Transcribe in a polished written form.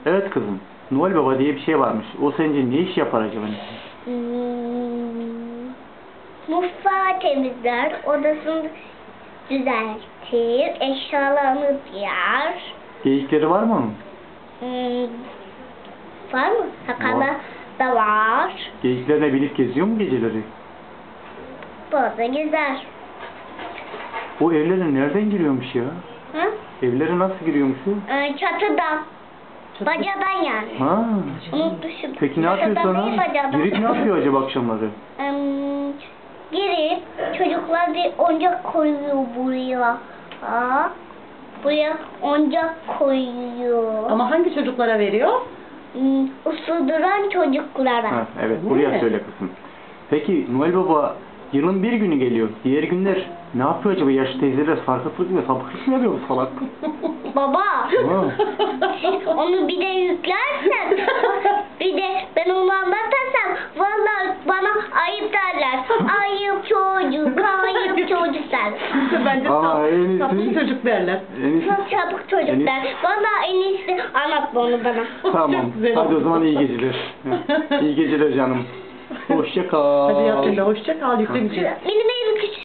Evet kızım. Noel Baba diye bir şey varmış. O sence ne iş yapar acaba? Mutfağı temizler, odasını düzeltir, eşyalarını yer. Geyikleri var mı onun? Var mı? Sakalı da var. Geyiklerine binip geziyor mu geceleri? Burada gezer. O evlere nereden giriyormuş ya? Hı? Evlere nasıl giriyormuş o? Çatıdan. Bacadan yani. Ha. Unutmuşum. Peki ne yapıyor Çatıdan sonra? değil, bacadan. Girip ne yapıyor acaba akşamları? Girip çocuklar bir oyuncak koyuyor buraya. Buraya oyuncak koyuyor. Ama hangi çocuklara veriyor? Usuduran çocuklara. Ha, evet Değil buraya mi? söyle kızım. Peki Noel Baba yılın bir günü geliyor. Diğer günler ne yapıyor acaba? Yaşlı teyzeler sarkıtlık mı? Sapıklık mı yapıyor bu salak? Baba. Ha. Onu bir de yüklersen, bir de ben onu anlatarsam vallahi bana ayıp derler. Ayıp çocuk, ayıp çocuk derler. Bence Aa, en iyisi- sapık çocuk derler. En iyisi- Çok çabuk çocuk En iyisi- der. Vallahi en iyisi anlatma onu bana. Tamam. Çok güzel Hadi o oldu. zaman iyi geceler. İyi geceler canım. Hoşça kal. Hadi yap hoşça kal, yükle bir şey. Benim